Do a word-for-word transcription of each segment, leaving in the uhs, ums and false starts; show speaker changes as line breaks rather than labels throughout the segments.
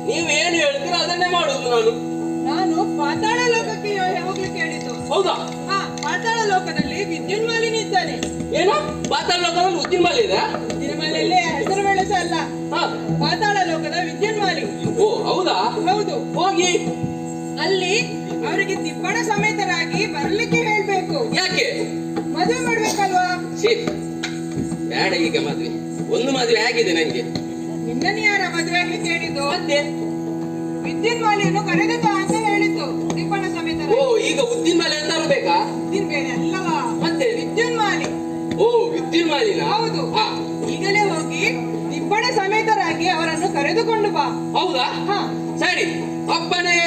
ನೀವೇನು ಹೇಳ್ತೀರಾ ಅದನ್ನೇ ಮಾಡುದು ನಾನು.
ನಾನು ಪಾತಾಳ ಲೋಕಕ್ಕೆ ಹೋಗ್ಲಿಕ್ಕೆ ಹೇಳಿದ್ದು.
ಹೌದಾ?
ಹಾ, ಪಾತಾಳ ಲೋಕದಲ್ಲಿ ವಿದ್ಯುನ್ಮಾಲಿನಿ ಇದ್ದಾನೆ.
ಏನು? ಪಾತಾಳ ಲೋಕದಲ್ಲಿ ಉದ್ದಿನಮಾಲಿ ಇದೆ?
ಉದ್ದಿನಮಾಲಿಯಲ್ಲಿ ಹೆಸರು ಬೆಳೆಸ ಅಲ್ಲ, ಪಾತಾಳ ಲೋಕದ ವಿದ್ಯುನ್ಮಾಲಿ.
ಓ ಹೌದಾ?
ಹೌದು.
ಹೋಗಿ
ಅಲ್ಲಿ ಅವರಿಗೆ ತಿಪ್ಪಣ ಸಮೇತರಾಗಿ ಬರ್ಲಿಕ್ಕೆ ಹೇಳ್ಬೇಕು.
ಯಾಕೆ?
ಮದುವೆ ಮಾಡ್ಬೇಕಲ್ವಾ?
ಬೇಡ ಈಗ ಮದ್ವೆ. ಒಂದು ಮದ್ವೆ ಆಗಿದೆ ನಂಗೆ.
ನಿನ್ನನ್ನು ಯಾರ ಮದುವೆ ಆಗ್ಲಿಕ್ಕೆ ಹೇಳಿದ್ದು?
ಮತ್ತೆ
ವಿದ್ಯುನ್ಮಾಲಿಯನ್ನು ಕರೆದದ್ದು ಅಂತ ಹೇಳಿದ್ದು, ತಿಪ್ಪಣ ಸಮೇತ.
ಓ, ಈಗ ಉದ್ದಿನಮಾಲಿ ಅಂತ ಅನ್ಬೇಕಾ?
ಉದ್ದಿನ ಬೇರೆ ಅಲ್ಲವಾ,
ಮತ್ತೆ
ವಿದ್ಯುನ್ಮಾಲಿ.
ಓ, ವಿದ್ಯುನ್ಮಾಲಿನ?
ಹೌದು. ಈಗಲೇ ಹೋಗಿ ತಿಪ್ಪಣ ಸಮೇತರಾಗಿ ಅವರನ್ನು ಕರೆದುಕೊಂಡು ಬಾ.
ಹೌದಾ?
ಹಾ
ಸರಿ. ಅಪ್ಪನೇ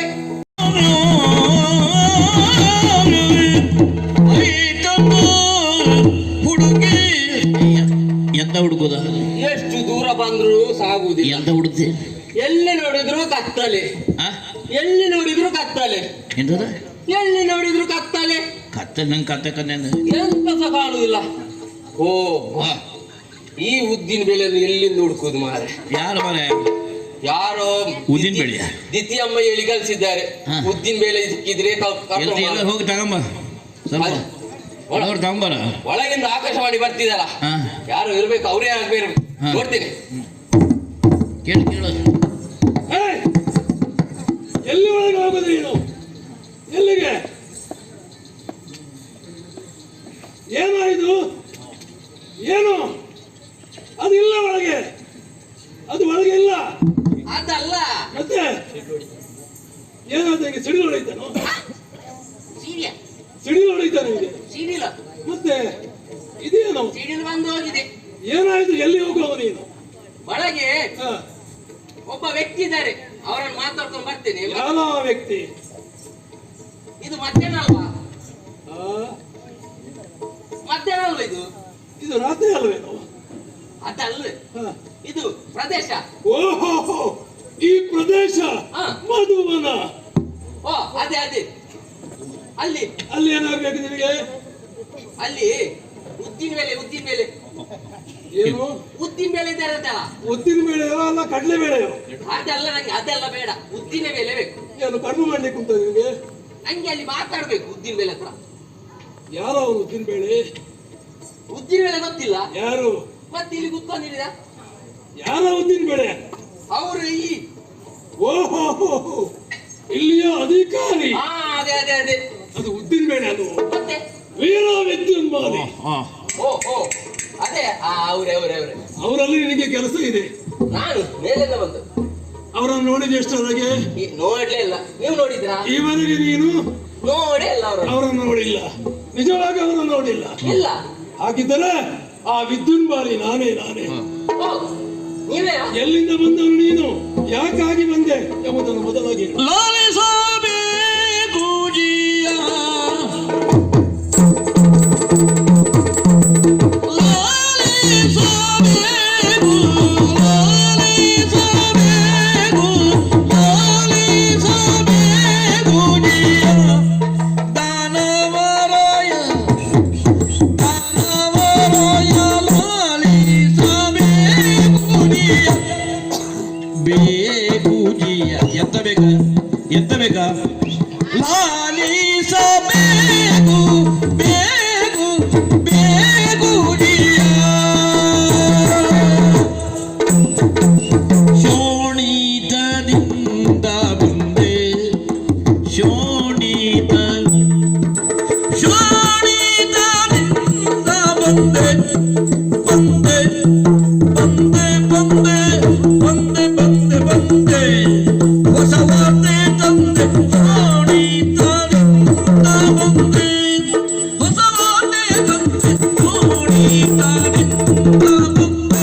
ಹುಡುಗಿ ಎಂತ ಹುಡುಗುದ?
ಎಷ್ಟು ದೂರ ಬಂದ್ರು ಸಾಗುವುದಿಲ್ಲ.
ಎಂತ ಹುಡುಗಿ?
ಎಲ್ಲಿ ನೋಡಿದ್ರು ಕತ್ತಲೆ, ಎಲ್ಲಿ ನೋಡಿದ್ರು ಕತ್ತಲೆ.
ಎಂತದ?
ಎಲ್ಲಿ ನೋಡಿದ್ರು ಕತ್ತಲೆ.
ಕತ್ತಲೆ ನಂಗೆ ಕತ್ತೆ ಕನ್ನೆ
ಎಂತ ಸಹ ಕಾಣುವುದಿಲ್ಲ. ಓ, ಈ ಉದ್ದಿನ ಬೇಳೆಯನ್ನು ಎಲ್ಲಿಂದ ಹುಡುಕುದು ಮಾರೆ? ಯಾರು ಮಾರೆ? ಯಾರೋ
ಉದ್ದಿನ ಬೇಳೆ
ದಿತಿಯಮ್ಮ ಹೇಳಿ ಕಲಿಸಿದ್ದಾರೆ. ಉದ್ದಿನ ಬೇಳೆ ಸಿಕ್ಕಿದ್ರೆ
ಹೋಗಿ ತಗೊಂಬ, ತಗೊಂಬರ.
ಒಳಗಿಂದ ಆಕಾಶವಾಣಿ ಬರ್ತಿದಲ್ಲ, ಯಾರು ಇರ್ಬೇಕು, ಅವರೇ ಆಗ್ಬೇಕು. ನೋಡ್ತೀನಿ.
ಕೇಳು ಕೇಳು.
ಎಲ್ಲಿ ಒಳಗೆ ಹೋಗುದು ನೀನು? ಎಲ್ಲಿಗೆ? ಏನಾಯ್ತು? ಏನು ಅದು? ಇಲ್ಲ ಒಳಗೆ, ಅದು ಒಳಗೆ ಇಲ್ಲ.
ಅದಲ್ಲ
ಮತ್ತೆ ಏನಾದ? ಸಿಡಿಲು ಹೊಡೆಯುತ್ತಾನೋ? ಸಿಡಿಲು ಹೊಡೆಯುತ್ತಾನೆ ನಿಮಗೆ?
ಸಿಡಿಲ
ಮತ್ತೆ ಇದೇನು?
ಸಿಡಿಲು ಬಂದು ಹೋಗಿದೆ.
ಏನಾಯ್ತು? ಎಲ್ಲಿ ಹೋಗುವ ನೀನು?
ಒಳಗೆ ಒಬ್ಬ ವ್ಯಕ್ತಿ ಇದ್ದಾರೆ, ಅವರನ್ನು ಮಾತಾಡ್ಕೊಂಡು ಬರ್ತೇನೆ.
ಯಾವ ವ್ಯಕ್ತಿ?
ಇದು ಮಧ್ಯಾಹ್ನ ಅಲ್ವಾ? ಮಧ್ಯಾಹ್ನ ಅಲ್ವಾ ಇದು?
ಇದು ರಾತ್ರಿ ಅಲ್ವೇನು?
ಅದಲ್ಲ, ಇದು ಪ್ರದೇಶ.
ಓಹೋ, ಈ ಪ್ರದೇಶ ಮಧುವನ.
ಓ ಅದೇ ಅದೇ. ಅಲ್ಲಿ
ಅಲ್ಲಿ ಏನಾಗ್ಬೇಕು ನಿನಗೆ?
ಅಲ್ಲಿ ಉದ್ದಿನ ಬೇಳೆ, ಉದ್ದಿನ ಬೇಳೆ.
ಏನು
ಉದ್ದಿನ ಬೇಳೆ ಇದ್ದಾರೆ ಅಂತಲ್ಲ?
ಉದ್ದಿನ ಬೇಳೆಯೋ ಅಲ್ಲ ಕಡಲೆ ಬೇಳೆಯೋ?
ಅದೆಲ್ಲ ನಂಗೆ, ಅದೆಲ್ಲ ಬೇಡ, ಉದ್ದಿನ ಬೇಳೆ ಬೇಕು.
ಏನು ಕಡಿಮೆ ಮಾಡ್ಲಿಕ್ಕೆ ಉಂಟ ನಿಮಗೆ?
ನಂಗೆ ಅಲ್ಲಿ ಮಾತಾಡ್ಬೇಕು ಉದ್ದಿನ ಬೇಳೆ ಹತ್ರ.
ಯಾರು ಅವರು ಉದ್ದಿನ ಬೇಳೆ?
ಉದ್ದಿನ ಬೇಳೆ ಗೊತ್ತಿಲ್ಲ?
ಯಾರು?
ಮತ್ತೆ ಇಲ್ಲಿ ಕುತ್ಕೊಂಡಿದ್ದೀರಾ?
ಯಾರ ಉದ್ದಿನ ಬೇಳೆ?
ಅವರು ಈ
ಓಹೋ, ಇಲ್ಲಿಯ ಅಧಿಕಾರಿ.
ಹಾ ಅದೇ ಅದೇ ಅದೇ.
ಅದು ಉದ್ದಿನ ಬೇಳೆ ಅದು.
ಮತ್ತೆ
ವೀರ ವಿದ್ಯುನ್ಮಾಲಿ.
ಓ ಓ ಅದೇ, ಅವರೇ ಅವರೇ ಅವರೇ.
ಅವರಲ್ಲಿ ನಿನಗೆ ಕೆಲಸ ಇದೆ.
ನಾನು ಮೇಲಿಂದ ಬಂದು
ಅವರನ್ನು ನೋಡಿದ ಎಷ್ಟರೊಳಗೆ?
ನೋಡ್ಲೇ ಇಲ್ಲ. ನೀವು ನೋಡಿದ್ರಾ?
ಈವರೆಗೆ ನೀನು
ನೋಡೇ ಇಲ್ಲ ಅವರು.
ಅವರನ್ನು ನೋಡಿಲ್ಲ, ನಿಜವಾಗಿ ಅವರನ್ನು ನೋಡಿಲ್ಲ.
ಇಲ್ಲ.
ಹಾಗಿದ್ದರೆ ಆ ವಿದ್ಯುನ್ಮಾಲಿ ನಾನೇ ನಾನೇ.
ನೀವೇ?
ಎಲ್ಲಿಂದ ಬಂದವನು ನೀನು? ಯಾಕಾಗಿ ಬಂದೆ ಎಂಬುದನ್ನು ಮೊದಲಾಗಿ
ಎಂತ ಬೇಕ? ಎಂತ ಬೇಕಾ? ಲಾಲಿಸಬೇಕು ಬೇಗು ಬೇಗುಡಿಯ ಶೋಣಿತದಿಂದ ಬಂದೆ, ಶೋಣಿತ ಶೋಣಿತದಿಂದ ಬಂದೆ ಬಂದೆ ಬಂದೆ ಬಂದೆ ಬಂದೆ ಬಂದೆ ಬಂದೆ ಹೊಸ ವಾರ್ತೆ ತಂದೆ. ಶೋಣಿತರಿಂದ ಬಂದೆ, ಹೊಸ ವಾರ್ತೆ ತಂದೆ. ಶೋಣಿತರಿಂದ ಬಂದೆ.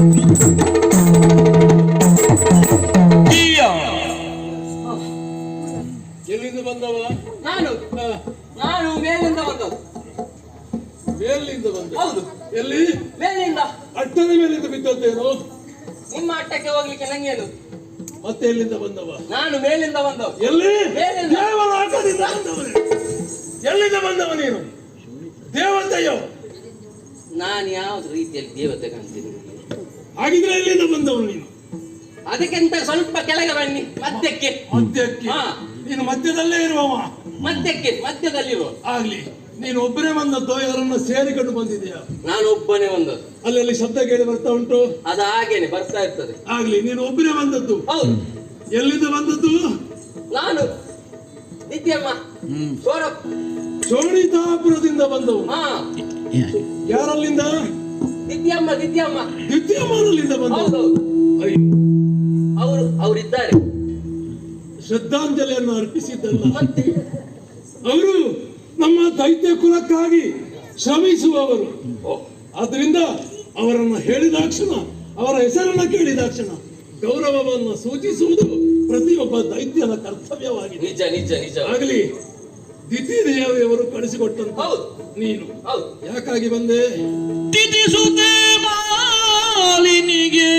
ಎಲ್ಲಿಂದ ಬಂದವ?
ನಾನು ನಾನು ಮೇಲಿಂದ ಬಂದದ್ದು.
ಮೇಲಿಂದ ಬಂದ?
ಹೌದು.
ಎಲ್ಲಿ?
ಮೇಲಿಂದ.
ಅಟ್ಟದ ಮೇಲಿಂದ ಬಿದ್ದದ್ದೇನು?
ನಿಮ್ಮ ಅಟ್ಟಕ್ಕೆ ಹೋಗ್ಲಿಕ್ಕೆ ನಂಗೇನು?
ಮತ್ತೆ ಎಲ್ಲಿಂದ ಬಂದವ?
ನಾನು ಮೇಲಿಂದ ಬಂದವ.
ಎಲ್ಲಿ?
ಮೇಲಿಂದ.
ದೇವರ ಆಟದಿಂದ ಬಂದವ. ಎಲ್ಲಿಂದ ಬಂದವ ನೀನು? ದೇವತೆಯೋ?
ನಾನು ಯಾವ್ದು ರೀತಿಯಲ್ಲಿ ದೇವತೆ ಕಾಣ್ತೀನಿ?
ಹಾಗಿದ್ರೆ ಎಲ್ಲಿಂದ ಬಂದವನು ನೀನು?
ಅದಕ್ಕೆಂತ ಸ್ವಲ್ಪ ಕೆಳಗೆ ಬನ್ನಿ, ಮಧ್ಯಕ್ಕೆ.
ಮಧ್ಯಕ್ಕೆ
ಹಾ,
ನೀನು ಮಧ್ಯದಲ್ಲೇ ಇರುವವ.
ಮಧ್ಯಕ್ಕೆ, ಮಧ್ಯದಲ್ಲಿರುವ.
ಆಗ್ಲಿ, ನೀನು ಒಬ್ಬನೇ ಬಂದದ್ದು ಯಾರನ್ನ ಸೇರಿಕೊಂಡು ಬಂದಿದ್ಯಾ?
ನಾನು ಒಬ್ಬನೇ ಒಂದದ್ದು.
ಅಲ್ಲಲ್ಲಿ ಶಬ್ದ ಕೇಳಿ ಬರ್ತಾ ಉಂಟು.
ಅದು ಹಾಗೇನೆ ಬರ್ತಾ ಇರ್ತದೆ.
ಆಗ್ಲಿ, ನೀನು ಒಬ್ಬನೇ ಬಂದದ್ದು.
ಹೌದು,
ಎಲ್ಲಿಂದ ಬಂದದ್ದು?
ನಾನು ನಿತ್ಯಮ್ಮ ಸೋರ
ಚೋಣಿತಾಪುರದಿಂದ ಬಂದವು.
ಹಾ,
ಯಾರಲ್ಲಿಂದ?
ನಿತ್ಯಮ್ಮ ನಿತ್ಯಮ್ಮ
ವಿದ್ಯಮಾನಲ್ಲಿಂದ ಬಂದವು.
ಹೌದೌದು,
ಅಯ್ಯೋ,
ಅವರು ಅವರಿದ್ದಾರೆ.
ಶ್ರದ್ಧಾಂಜಲಿಯನ್ನು ಅರ್ಪಿಸಿದ್ದಲ್ಲ,
ಮತ್ತೆ
ಅವರು ನಮ್ಮ ದೈತ್ಯ ಕುಲಕ್ಕಾಗಿ ಶ್ರಮಿಸುವವರು. ಆದ್ರಿಂದ ಅವರನ್ನು ಹೇಳಿದಾಕ್ಷಣ, ಅವರ ಹೆಸರನ್ನ ಕೇಳಿದಾಕ್ಷಣ ಗೌರವವನ್ನು ಸೂಚಿಸುವುದು ಪ್ರತಿಯೊಬ್ಬ ದೈತ್ಯನ ಕರ್ತವ್ಯವಾಗಿದೆ.
ನಿಜ ನಿಜ ನಿಜ.
ಆಗಲಿ, ದಿತಿದೇವಿಯವರು ಕಳಿಸಿಕೊಟ್ಟಂತ
ಹೌದು
ನೀನು
ಹೌದು.
ಯಾಕಾಗಿ ಬಂದೆ?
ತಿಥಿಸುತ್ತೆ ಮಾಲಿನಿಗೆ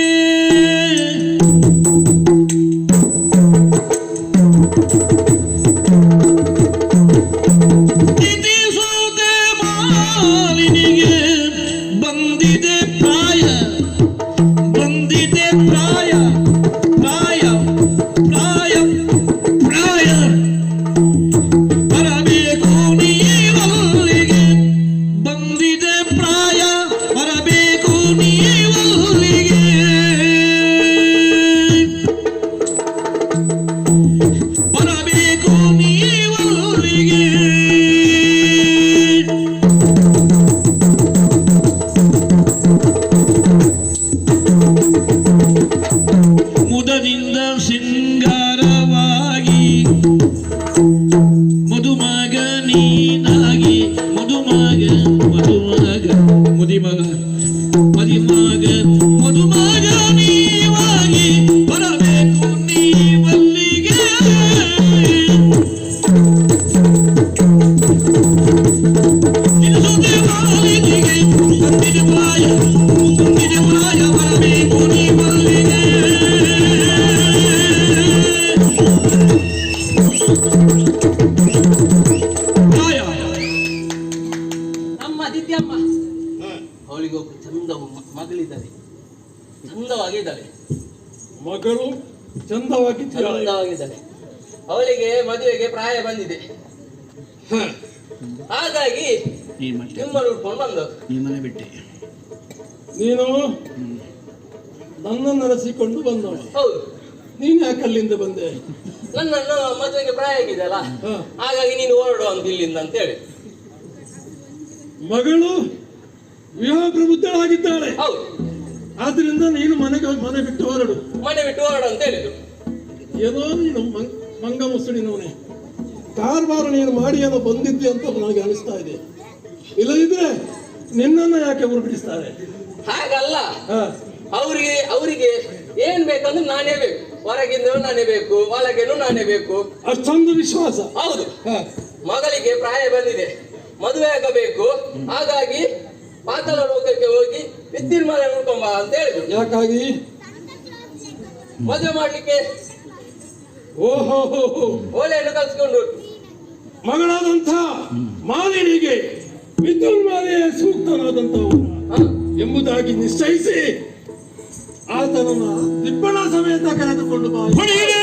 ತಿಥಿಸುತ್ತೆ ಮಾಲಿನಿಗೆ ಬಂದಿದೆ ಪ್ರಾಯ, ಬಂದಿದೆ ಪ್ರಾಯ, ಪ್ರಾಯ ಪ್ರಾಯ ಪ್ರಾಯ ಬರಬೇಕು ನೀವಲ್ಲಿಗೆ, ಬಂದಿದೆ ಪ್ರಾಯ ಬರಬೇಕು ನೀವಲ್ಲಿಗೆ, ಬರಬೇಕು ನೀವಲ್ಲಿಗೆ. ಮುದದಿಂದ ಸಿಂಗಾರವಾಗಿ ಮಧುಮಗ ನೀನಾಗಿ, ಮಧುಮಗ ಮಧುಮಗ ಮುದಿಮಗ ಮದಿಮಗ ಮಧುಮಗ ನೀವಾಗಿ ಬರಬೇಕು ನೀವಲ್ಲಿಗೆ. ತಿನಿಸುತ್ತೆ ಮಾಲಿನಿಗೆ ಬಂದಿದೆ ಪ್ರಾಯ, ಬಂದಿದೆ ಪ್ರಾಯ ಬರಬೇಕು ನೀವಲ್ಲಿಗೆ. ಪ್ರಾಯ
ನಮ್ಮ ದಿತ್ಯಮ್ಮ, ಅವಳಿಗೆ ಒಬ್ಬ ಚಂದ ಮಗಳಿದ್ದಾಳೆ, ಚಂದವಾಗಿದ್ದಾಳೆ,
ಮಗಳು ಚಂದವಾಗಿ
ಚಂದವಾಗಿದ್ದಾಳೆ. ಅವಳಿಗೆ ಮದುವೆಗೆ ಪ್ರಾಯ ಬಂದಿದೆ. ಹಾಗಾಗಿ
ಈ ಮಟ್ಟ
ನಿಮ್ಮನ್ನು ಉಟ್ಕೊಂಡು ಬಂದದ್ದು.
ಈ ಮನೆ ಬಿಟ್ಟೆ
ನೀನು ನನ್ನನ್ನು ನಡೆಸಿಕೊಂಡು ಬಂದವ.
ಹೌದು,
ನೀನ್ ಯಾಕೆ ಅಲ್ಲಿಂದ ಬಂದೆ?
ನನ್ನನ್ನು ಮದುವೆಗೆ ಪ್ರಾಯ ಆಗಿದೆಯಲ್ಲ,
ಹ.
ಹಾಗಾಗಿ ನೀನು ಹೊರಡು ಅಂತ ಇಲ್ಲಿಂದ ಅಂತ ಹೇಳಿ.
ಮಗಳು ವಿವಾಹ ಪ್ರಬುದ್ಧಳಾಗಿದ್ದಾಳೆ.
ಹೌದು,
ಆದ್ರಿಂದ ನೀನು ಮನೆಗೆ ಮನೆ ಬಿಟ್ಟು ಹೊರಡು.
ಮನೆ ಬಿಟ್ಟು ಹೊರಡು ಅಂತ ಹೇಳಿದ್ರು.
ಏನೋ ನೀನು ಮಂಗ್- ಮಂಗ ಮುಸುಡಿನವನೇ, ಕಾರ್ಬಾರ ನೀನು ಮಾಡಿ ಏನೋ ಬಂದಿದ್ದೆ ಅಂತ ನನಗೆ ಅನಿಸ್ತಾ ಇದೆ. ಇಲ್ಲದಿದ್ರೆ ನಿನ್ನನ್ನು ಯಾಕೆ ಹುರುಪಿಸ್ತಾರೆ?
ಹಾಗಲ್ಲ,
ಹ,
ಅವರಿಗೆ ಅವರಿಗೆ ಏನ್ ಬೇಕಂದ್ರೆ ನಾನೇ ಬೇಕು, ಹೊರಗಿಂದ ನಾನೇ ಬೇಕು, ಒಳಗೇನು ನಾನೇ ಬೇಕು.
ಅಷ್ಟೊಂದು ವಿಶ್ವಾಸ.
ಹೌದು,
ಹ,
ಮಗಳಿಗೆ ಪ್ರಾಯ ಬಂದಿದೆ, ಮದುವೆ ಆಗಬೇಕು. ಹಾಗಾಗಿ ಪಾತಾಳ ಲೋಕಕ್ಕೆ ಹೋಗಿ ವಿದ್ಯುನ್ಮಾನ ನೋಡ್ಕೊಂಬ ಅಂತ ಹೇಳಿದ್ರು.
ಯಾಕಾಗಿ?
ಮದುವೆ ಮಾಡ್ಲಿಕ್ಕೆ
ಓಹೋ,
ಓಲೆಯನ್ನು ಕಲ್ಸ್ಕೊಂಡು
ಮಗಳಾದಂಥ ಮಾಲಿನಿಗೆ ವಿದ್ಯುನ್ಮಾಲೆಯೇ ಸೂಕ್ತನಾದಂಥವನು
ಹ,
ಎಂಬುದಾಗಿ ನಿಶ್ಚಯಿಸಿ ಆತನನ್ನ ದಿಬ್ಬಣ ಸಮೇತ ಕರೆದುಕೊಂಡು ಬಾ.
ಹೊಡೆಯಿರಿ